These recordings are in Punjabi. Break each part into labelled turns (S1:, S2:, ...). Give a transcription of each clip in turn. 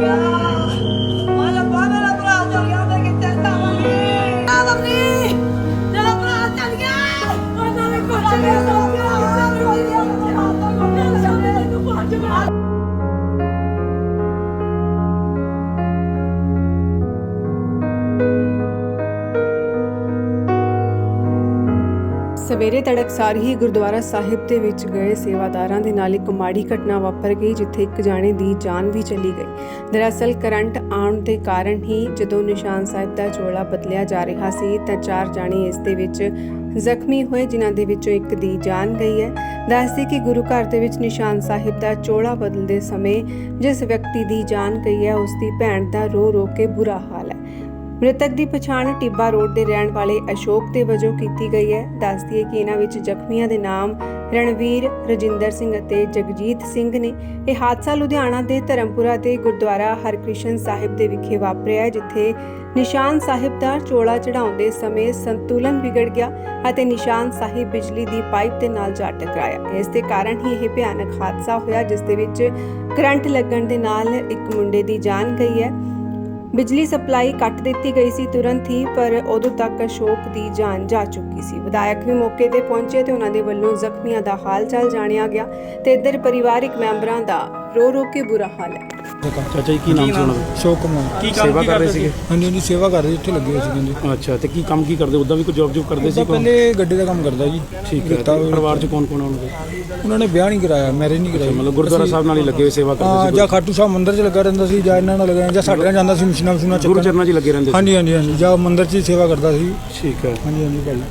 S1: ਸਵੇਰੇ ਤੜਕਸਾਰ ਹੀ ਗੁਰਦੁਆਰਾ ਸਾਹਿਬ ਦੇ ਵਿੱਚ ਗਏ ਸੇਵਾਦਾਰਾਂ ਦੇ ਨਾਲ ਇੱਕ ਮਾੜੀ ਘਟਨਾ ਵਾਪਰ ਗਈ, ਜਿੱਥੇ ਇੱਕ ਜਾਣੇ ਦੀ ਜਾਨ ਵੀ ਚਲੀ ਗਈ। ਦਰਅਸਲ ਕਰੰਟ ਆਉਣ ਦੇ ਕਾਰਨ ਹੀ ਜਦੋਂ ਨਿਸ਼ਾਨ ਸਾਹਿਬ ਦਾ ਚੋਲਾ ਬਦਲਿਆ ਜਾ ਰਿਹਾ ਸੀ ਤਾਂ 4 ਜਾਣੇ ਇਸ ਦੇ ਵਿੱਚ ਜ਼ਖਮੀ ਹੋਏ, ਜਿਨ੍ਹਾਂ ਦੇ ਵਿੱਚੋਂ ਇੱਕ ਦੀ ਜਾਨ ਗਈ ਹੈ। ਦੱਸਦੇ ਕਿ ਗੁਰੂ ਘਰ ਦੇ ਵਿੱਚ ਨਿਸ਼ਾਨ ਸਾਹਿਬ ਦਾ ਚੋਲਾ ਬਦਲਦੇ ਸਮੇਂ ਜਿਸ ਵਿਅਕਤੀ ਦੀ ਜਾਨ ਗਈ ਹੈ, ਉਸ ਦੀ ਭੈਣ ਦਾ ਰੋ ਰੋ ਕੇ ਬੁਰਾ ਹਾਲ ਹੈ। ਮ੍ਰਿਤਕ ਦੀ ਪਛਾਣ ਟਿੱਬਾ ਰੋਡ ਦੇ ਰਹਿਣ ਵਾਲੇ ਅਸ਼ੋਕ ਦੇ ਵਜੋਂ ਕੀਤੀ ਗਈ ਹੈ। ਦੱਸਦੀ ਹੈ ਕਿ ਇਹਨਾਂ ਵਿੱਚ ਜ਼ਖਮੀਆਂ ਦੇ ਨਾਮ ਰਣਵੀਰ, ਰਜਿੰਦਰ ਸਿੰਘ ਅਤੇ ਜਗਜੀਤ ਸਿੰਘ ਨੇ। ਇਹ ਹਾਦਸਾ ਲੁਧਿਆਣਾ ਦੇ ਧਰਮਪੁਰਾ ਦੇ ਗੁਰਦੁਆਰਾ ਹਰਕ੍ਰਿਸ਼ਨ ਸਾਹਿਬ ਦੇ ਵਿਖੇ ਵਾਪਰਿਆ, ਜਿੱਥੇ ਨਿਸ਼ਾਨ ਸਾਹਿਬ ਦਾ ਚੋਲਾ ਚੜਾਉਂਦੇ ਸਮੇਂ ਸੰਤੁਲਨ ਵਿਗੜ ਗਿਆ ਅਤੇ ਨਿਸ਼ਾਨ ਸਾਹਿਬ ਬਿਜਲੀ ਦੀ ਪਾਈਪ ਦੇ ਨਾਲ ਜਾ ਟਕਰਾਇਆ। ਇਸ ਦੇ ਕਾਰਨ ਹੀ ਇਹ ਭਿਆਨਕ ਹਾਦਸਾ ਹੋਇਆ, ਜਿਸ ਦੇ ਵਿੱਚ ਕਰੰਟ ਲੱਗਣ ਦੇ ਨਾਲ ਇੱਕ ਮੁੰਡੇ ਦੀ ਜਾਨ ਗਈ ਹੈ। ਬਿਜਲੀ ਸਪਲਾਈ ਕੱਟ ਦਿੱਤੀ ਗਈ ਸੀ ਤੁਰੰਤ ਹੀ, ਪਰ ਉਦੋਂ ਤੱਕ ਅਸ਼ੋਕ ਦੀ ਜਾਨ ਜਾ ਚੁੱਕੀ ਸੀ। ਵਿਧਾਇਕ ਵੀ ਮੌਕੇ ਤੇ ਪਹੁੰਚੇ ਤੇ ਉਹਨਾਂ ਦੇ ਵੱਲੋਂ ਜ਼ਖਮੀਆਂ ਦਾ ਹਾਲ ਚਾਲ ਜਾਣਿਆ ਗਿਆ ਤੇ ਇੱਧਰ ਪਰਿਵਾਰਿਕ ਮੈਂਬਰਾਂ ਦਾ ਰੋ ਰੋ ਕੇ ਬੁਰਾ ਹਾਲ ਹੈ।
S2: ਚਾਚਾ ਜੀ ਕੀ ਨਾਮ ਸੀ ਉਹਨਾਂ ਦਾ?
S3: ਅਸ਼ੋਕ ਕੁਮਾਰ।
S2: ਕੀ ਸੇਵਾ ਕਰ ਰਹੇ ਸੀਗੇ?
S3: ਹਾਂਜੀ ਸੇਵਾ ਕਰ ਰਹੇ, ਇੱਥੇ ਲੱਗੇ ਹੋਏ ਸੀ ਜੀ।
S2: ਅੱਛਾ, ਤੇ ਕੀ ਕੰਮ ਕੀ ਕਰਦੇ? ਉੱਦਾਂ ਵੀ ਕੋਈ ਜੌਬ ਕਰਦੇ ਸੀ?
S3: ਪਹਿਲੇ ਗੱਡੀ ਦਾ ਕੰਮ ਕਰਦਾ ਜੀ।
S2: ਠੀਕ ਹੈ। ਪਰਿਵਾਰ 'ਚ ਕੌਣ ਕੌਣ ਆਉਣਗੇ?
S3: ਉਹਨਾਂ ਨੇ ਵਿਆਹ ਨਹੀਂ ਕਰਾਇਆ, ਮੈਰਿਜ ਨਹੀਂ ਕਰਾਈ।
S2: ਮਤਲਬ ਗੁਰਦੁਆਰਾ ਸਾਹਿਬ ਨਾਲ ਹੀ ਲੱਗੇ ਹੋਏ ਸੇਵਾ ਕਰਦੇ ਸੀ?
S3: ਜਾਂ ਖਾਟੂ ਸਾਹਿਬ ਮੰਦਿਰ 'ਚ ਲੱਗਾ ਰਹਿੰਦਾ ਸੀ, ਜਾਂ ਇਹਨਾਂ ਨਾਲ ਲੱਗਾ, ਜਾਂ ਸਾਡੇ ਨਾਲ ਜਾਂਦਾ ਸੀ ਮਸ਼ੀਨਾਂ ਚੱਕਣ।
S2: ਗੁਰੂ ਚਰਨਾਂ 'ਚ ਹੀ ਲੱਗੇ ਰਹਿੰਦੇ ਸੀ?
S3: ਹਾਂਜੀ, ਜਾਂ ਮੰਦਿਰ 'ਚ ਹੀ ਸੇਵਾ ਕਰਦਾ ਸੀ।
S2: ਠੀਕ ਹੈ।
S3: ਹਾਂਜੀ ਭਾਈ।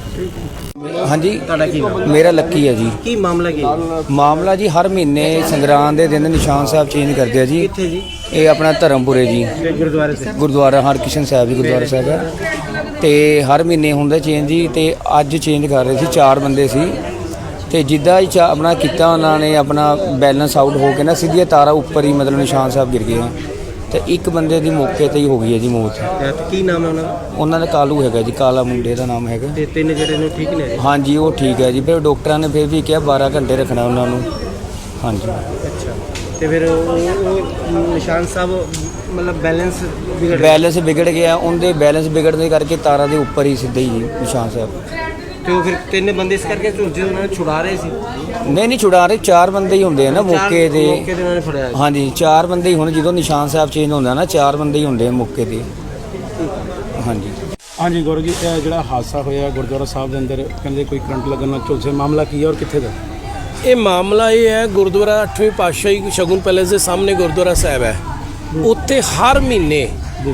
S4: ਹਾਂਜੀ,
S5: ਤੁਹਾਡਾ ਕੀ ਨਾਮ?
S4: ਮੇਰਾ ਲੱਕੀ ਹੈ ਜੀ।
S5: ਕੀ ਮਾਮਲਾ ਕੀ?
S4: ਮਾਮਲਾ ਜੀ ਹਰ ਮਹੀਨੇ ਸੰਗਰਾਂਦ ਦੇ ਦਿਨ ਨਿਸ਼ਾਨ ਸਾਹਿਬ ਚੇਂਜ ਕਰਦੇ ਆ ਜੀ।
S5: ਕਿੱਥੇ ਜੀ?
S4: ਇਹ ਆਪਣਾ ਧਰਮਪੁਰੇ ਜੀ,
S5: ਗੁਰਦੁਆਰੇ ਤੇ?
S4: ਗੁਰਦੁਆਰਾ ਹਰਕ੍ਰਿਸ਼ਨ ਸਾਹਿਬ ਜੀ ਗੁਰਦੁਆਰਾ ਸਾਹਿਬ ਹੈ, ਤੇ ਹਰ ਮਹੀਨੇ ਹੁੰਦਾ ਚੇਂਜ ਜੀ। ਤੇ ਅੱਜ ਚੇਂਜ ਕਰ ਰਹੇ ਸੀ, 4 ਬੰਦੇ ਸੀ, ਤੇ ਜਿੱਦਾਂ ਹੀ ਆਪਣਾ ਕੀਤਾ ਉਹਨਾਂ ਨੇ ਆਪਣਾ ਬੈਲੈਂਸ ਆਊਟ ਹੋ ਕੇ ਨਾ ਸਿੱਧੀਆਂ ਤਾਰਾਂ ਉੱਪਰ ਹੀ ਮਤਲਬ ਨਿਸ਼ਾਨ ਸਾਹਿਬ ਗਿਰ ਗਏ, ਤੇ ਇੱਕ ਬੰਦੇ ਦੀ ਮੌਕੇ ਤੇ ਹੀ ਹੋ ਗਈ ਹੈ ਜੀ ਮੌਤ।
S5: ਕੀ ਨਾਮ ਹੈ ਉਹਨਾਂ ਦਾ?
S4: ਉਹਨਾਂ ਦਾ ਕਾਲੂ ਹੈਗਾ ਜੀ, ਕਾਲਾ ਮੁੰਡੇ ਦਾ ਨਾਮ ਹੈਗਾ।
S5: ਤੇ 3 ਜਿਹੜੇ ਨੇ ਠੀਕ ਨੇ?
S4: ਹਾਂਜੀ ਉਹ ਠੀਕ ਹੈ ਜੀ। ਫਿਰ ਡਾਕਟਰਾਂ ਨੇ ਫਿਰ ਵੀ ਕਿਹਾ 12 ਘੰਟੇ ਰੱਖਣਾ ਉਹਨਾਂ ਨੂੰ। ਹਾਂਜੀ।
S5: ਅੱਛਾ, ਤੇ ਫਿਰ ਉਹ ਨਿਸ਼ਾਨ ਸਾਹਿਬ ਮਤਲਬ
S4: ਬੈਲੈਂਸ ਵਿਗੜ ਗਿਆ। ਉਹਦੇ ਬੈਲੈਂਸ ਵਿਗੜਨ ਦੇ ਕਰਕੇ ਤਾਰਾਂ ਦੇ ਉੱਪਰ ਹੀ ਸਿੱਧੇ ਹੀ ਨਿਸ਼ਾਨ ਸਾਹਿਬ।
S5: ਤੇ ਉਹ ਫਿਰ 3 ਬੰਦੇ ਇਸ ਕਰਕੇ ਝੁਲਜੇ ਉਹਨਾਂ ਨੇ ਛੁਡਾ ਰਹੇ ਸੀ?
S4: ਨਹੀਂ ਛੁਡਾ ਰਹੇ, 4 ਬੰਦੇ ਹੀ ਹੁੰਦੇ ਆ ਨਾ ਮੌਕੇ ਤੇ।
S5: ਉਹਨਾਂ ਨੇ ਫੜਿਆ?
S4: ਹਾਂਜੀ 4 ਬੰਦੇ ਹੀ ਹੁਣ, ਜਦੋਂ ਨਿਸ਼ਾਨ ਸਾਹਿਬ ਚੇਂਜ ਹੁੰਦਾ ਨਾ 4 ਬੰਦੇ ਹੀ ਹੁੰਦੇ ਆ ਮੌਕੇ ਤੇ।
S2: ਹਾਂਜੀ ਗੌਰਵ ਜੀ, ਇਹ ਜਿਹੜਾ ਹਾਦਸਾ ਹੋਇਆ ਗੁਰਦੁਆਰਾ ਸਾਹਿਬ ਦੇ ਅੰਦਰ, ਕਹਿੰਦੇ ਕੋਈ ਕਰੰਟ ਲੱਗਣ ਨਾਲ ਝੁਲਸੇ, ਮਾਮਲਾ ਕੀ ਹੈ ਔਰ ਕਿੱਥੇ ਦਾ?
S6: ਇਹ ਮਾਮਲਾ ਇਹ ਹੈ, ਗੁਰਦੁਆਰਾ 8ਵੀਂ ਪਾਤਸ਼ਾਹੀ ਸ਼ਗੁਨ ਪੈਲੇਸ ਦੇ ਸਾਹਮਣੇ ਗੁਰਦੁਆਰਾ ਸਾਹਿਬ ਹੈ। ਉੱਥੇ ਹਰ ਮਹੀਨੇ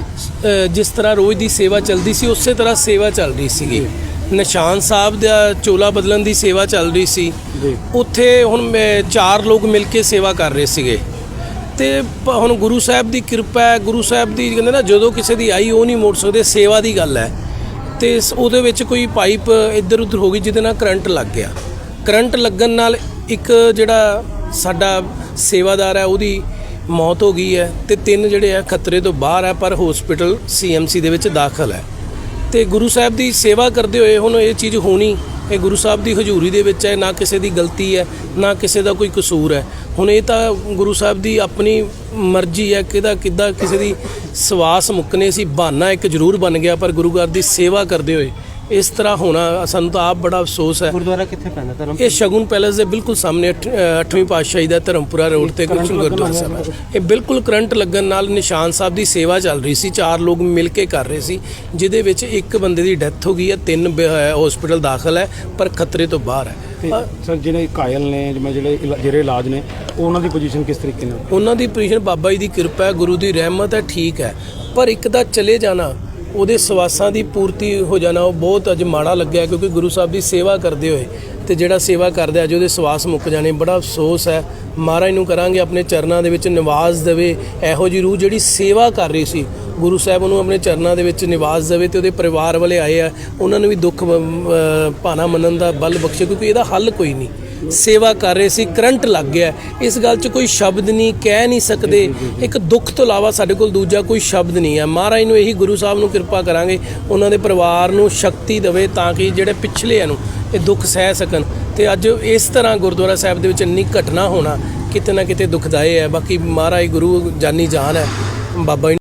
S6: ਜਿਸ ਤਰ੍ਹਾਂ ਰੋਜ਼ ਦੀ ਸੇਵਾ ਚੱਲਦੀ ਸੀ, ਉਸੇ ਤਰ੍ਹਾਂ ਸੇਵਾ ਚੱਲ ਰਹੀ ਸੀਗੀ। ਨਿਸ਼ਾਨ ਸਾਹਿਬ ਦਾ ਚੋਲਾ ਬਦਲਣ ਦੀ ਸੇਵਾ ਚੱਲ ਰਹੀ ਸੀ। ਉੱਥੇ ਹੁਣ 4 ਲੋਕ ਮਿਲ ਕੇ ਸੇਵਾ ਕਰ ਰਹੇ ਸੀਗੇ, ਤੇ ਹੁਣ ਗੁਰੂ ਸਾਹਿਬ ਦੀ ਕਿਰਪਾ ਹੈ। ਗੁਰੂ ਸਾਹਿਬ ਦੀ ਕਹਿੰਦੇ ਨਾ, ਜਦੋਂ ਕਿਸੇ ਦੀ ਆਈ ਉਹ ਨਹੀਂ ਮੋੜ ਸਕਦੇ, ਸੇਵਾ ਦੀ ਗੱਲ ਹੈ। ਤੇ ਉਹਦੇ ਵਿੱਚ ਕੋਈ ਪਾਈਪ ਇੱਧਰ ਉੱਧਰ ਹੋ ਗਈ, ਜਿਹਦੇ ਨਾਲ ਕਰੰਟ ਲੱਗ ਗਿਆ। ਕਰੰਟ ਲੱਗਣ ਨਾਲ ਇੱਕ ਜਿਹੜਾ ਸਾਡਾ ਸੇਵਾਦਾਰ ਹੈ ਉਹਦੀ ਮੌਤ ਹੋ ਗਈ ਹੈ, ਤੇ 3 ਜਿਹੜੇ ਆ ਖਤਰੇ ਤੋਂ ਬਾਹਰ ਹੈ, ਪਰ ਹਸਪੀਟਲ CMC ਦੇ ਵਿੱਚ ਦਾਖਲ ਹੈ। ਤੇ ਗੁਰੂ ਸਾਹਿਬ ਦੀ ਸੇਵਾ ਕਰਦੇ ਹੋਏ ਹੁਣ ਇਹ ਚੀਜ਼ ਹੋਣੀ, ਇਹ ਗੁਰੂ ਸਾਹਿਬ ਦੀ ਹਜ਼ੂਰੀ ਦੇ ਵਿੱਚ ਹੈ, ਨਾ ਕਿਸੇ ਦੀ ਗਲਤੀ ਹੈ, ਨਾ ਕਿਸੇ ਦਾ ਕੋਈ ਕਸੂਰ ਹੈ। ਹੁਣ ਇਹ ਤਾਂ ਗੁਰੂ ਸਾਹਿਬ ਦੀ ਆਪਣੀ ਮਰਜ਼ੀ ਹੈ, ਕਿੱਦਾਂ ਕਿਸੇ ਦੀ ਸਵਾਸ ਮੁੱਕਨੇ ਸੀ, ਬਹਾਨਾ ਇੱਕ ਜ਼ਰੂਰ ਬਣ ਗਿਆ, ਪਰ ਗੁਰੂ ਘਰ ਦੀ ਸੇਵਾ ਕਰਦੇ ਹੋਏ ਇਸ ਤਰ੍ਹਾਂ ਹੋਣਾ ਸਾਨੂੰ ਤਾਂ ਆਪ ਬੜਾ ਅਫਸੋਸ ਹੈ।
S5: ਗੁਰਦੁਆਰਾ ਕਿੱਥੇ ਪੈਂਦਾ? ਧਰਮ?
S6: ਇਹ ਸ਼ਗੁਨ ਪੈਲੇਸ ਦੇ ਬਿਲਕੁਲ ਸਾਹਮਣੇ 8ਵੀਂ ਪਾਤਸ਼ਾਹੀ ਦਾ ਧਰਮਪੁਰਾ ਰੋਡ ਤੇ ਗੁਰਦੁਆਰਾ ਸਾਹਿਬ ਹੈ। ਇਹ ਬਿਲਕੁਲ ਕਰੰਟ ਲੱਗਣ ਨਾਲ ਨਿਸ਼ਾਨ ਸਾਹਿਬ ਦੀ ਸੇਵਾ ਚੱਲ ਰਹੀ ਸੀ, 4 ਲੋਕ ਮਿਲ ਕੇ ਕਰ ਰਹੇ ਸੀ, ਜਿਹਦੇ ਵਿੱਚ ਇੱਕ ਬੰਦੇ ਦੀ ਡੈਥ ਹੋ ਗਈ ਹੈ, 3 ਹਸਪੀਟਲ ਦਾਖਲ ਹੈ, ਪਰ ਖਤਰੇ ਤੋਂ ਬਾਹਰ ਹੈ।
S2: ਸਰ ਜਿਹੜੇ ਘਾਇਲ ਨੇ, ਜਿਹੜੇ ਇਲਾਜ ਨੇ, ਉਹਨਾਂ ਦੀ ਪੋਜੀਸ਼ਨ ਕਿਸ ਤਰੀਕੇ ਨਾਲ?
S6: ਉਹਨਾਂ ਦੀ ਪੋਜੀਸ਼ਨ ਬਾਬਾ ਜੀ ਦੀ ਕਿਰਪਾ ਹੈ, ਗੁਰੂ ਦੀ ਰਹਿਮਤ ਹੈ, ਠੀਕ ਹੈ। ਪਰ ਇੱਕ ਦਾ ਚਲੇ ਜਾਣਾ, ਉਹਦੇ ਸਵਾਸਾਂ ਦੀ ਪੂਰਤੀ ਹੋ ਜਾਣਾ, ਉਹ ਬਹੁਤ ਅੱਜ ਮਾੜਾ ਲੱਗਿਆ, ਕਿਉਂਕਿ ਗੁਰੂ ਸਾਹਿਬ ਦੀ ਸੇਵਾ ਕਰਦੇ ਹੋਏ ਤੇ ਜਿਹੜਾ ਸੇਵਾ ਕਰਦਾ ਅੱਜ ਉਹਦੇ ਸਵਾਸ ਮੁੱਕ ਜਾਣੇ, ਬੜਾ ਅਫਸੋਸ ਹੈ। ਮਹਾਰਾਜ ਨੂੰ ਕਰਾਂਗੇ ਆਪਣੇ ਚਰਨਾਂ ਦੇ ਵਿੱਚ ਨਿਵਾਸ ਦੇਵੇ, ਇਹੋ ਜਿਹੀ ਰੂਹ ਜਿਹੜੀ ਸੇਵਾ ਕਰ ਰਹੀ ਸੀ, ਗੁਰੂ ਸਾਹਿਬ ਉਹਨੂੰ ਆਪਣੇ ਚਰਨਾਂ ਦੇ ਵਿੱਚ ਨਿਵਾਸ ਦੇਵੇ, ਤੇ ਉਹਦੇ ਪਰਿਵਾਰ ਵਾਲੇ ਆਏ ਆ, ਉਹਨਾਂ ਨੂੰ ਵੀ ਦੁੱਖ ਭਾਣਾ ਮੰਨਣ ਦਾ ਬਲ ਬਖਸ਼ੇ, ਕਿਉਂਕਿ ਇਹਦਾ ਹੱਲ ਕੋਈ ਨਹੀਂ। ਸੇਵਾ ਕਰ ਰਹੇ ਸੀ, ਕਰੰਟ ਲੱਗ ਗਿਆ, ਇਸ ਗੱਲ 'ਚ ਕੋਈ ਸ਼ਬਦ ਨਹੀਂ, ਕਹਿ ਨਹੀਂ ਸਕਦੇ। ਇੱਕ ਦੁੱਖ ਤੋਂ ਇਲਾਵਾ ਸਾਡੇ ਕੋਲ ਦੂਜਾ ਕੋਈ ਸ਼ਬਦ ਨਹੀਂ ਹੈ। ਮਹਾਰਾਜ ਨੂੰ ਇਹੀ, ਗੁਰੂ ਸਾਹਿਬ ਨੂੰ ਕਿਰਪਾ ਕਰਾਂਗੇ, ਉਹਨਾਂ ਦੇ ਪਰਿਵਾਰ ਨੂੰ ਸ਼ਕਤੀ ਦੇਵੇ, ਤਾਂ ਕਿ ਜਿਹੜੇ ਪਿਛਲੇ ਨੂੰ ਇਹ ਦੁੱਖ ਸਹਿ ਸਕਣ। ਤੇ ਅੱਜ ਇਸ ਤਰ੍ਹਾਂ ਗੁਰਦੁਆਰਾ ਸਾਹਿਬ ਦੇ ਵਿੱਚ ਇੰਨੀ ਘਟਨਾ ਹੋਣਾ, ਕਿਤੇ ਨਾ ਕਿਤੇ ਦੁਖਦਾਈ ਹੈ। ਬਾਕੀ ਮਹਾਰਾਜ ਗੁਰੂ ਜਾਨੀ ਜਾਨ ਹੈ, ਬਾਬਾ ਜੀ